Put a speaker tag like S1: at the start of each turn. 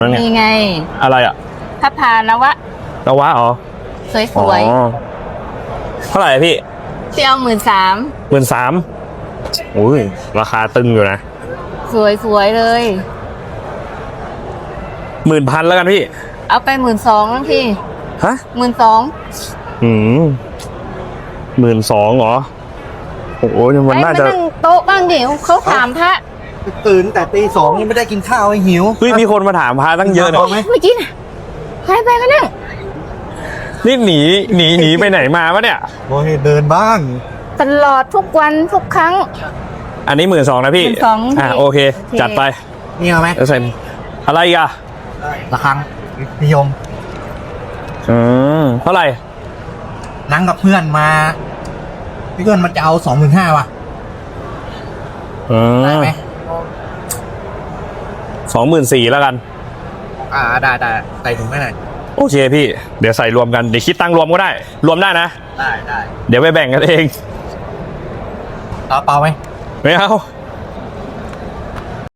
S1: นี่ไง
S2: อะไรอ่ะ
S1: พระพานวะ
S2: นวะอ๋อ
S1: สวย
S2: อ๋อเท่าไหร่อะพี่
S1: ๆเที่ยว13,000
S2: 13,000อุ้ยราคาตึงอยู่นะ
S1: สวยๆเลย
S2: 10,000แล้วกันพี่
S1: เอาไป12,000นะพี่
S2: ฮะ
S1: 12,000
S2: 12,000เหรอโอ้โหมันน่าจะ
S1: ไปนั่งโต๊ะบ้างเดี๋ยวเขาถามพระ
S3: ตื่นแต่ตี 2ยังไม่ได้กินข้าวหิว
S2: เฮ้ยมีคนมาถามพาตั้งเยอะเนี่ย
S3: เอาไหม
S1: เมื่อกี้น่ะใครไปกันนั่ง
S2: นี่หนีไปไหนมาวะเนี่ย
S3: โอ้ยเดินบ้าง
S1: ตลอดทุกวันทุกครั้ง
S2: อันนี้12,000นะพี่
S1: 12,000
S2: อ่ะโอเค จัดไป
S3: นี่เอาไหม
S2: แล้วใส่อะไรอีกอ่ะ
S3: ระฆังนิยม
S2: เท่าไหร่
S3: นั่งกับเพื่อนมาพี่เพื่อนมันจะเอา25,000ว่ะได้ไหม
S2: 24,000แล้วกัน
S3: ได้ใส่ถุงให้หน่อย
S2: โอเคพี่ เดี๋ยวใส่รวมกัน เดี๋ยวคิดตังค์รวมก็ได้ รวมได้นะ
S3: ได้
S2: เดี๋ยวไปแบ่งกันเอง
S3: เอาเปล่าไหม
S2: ไม่เอา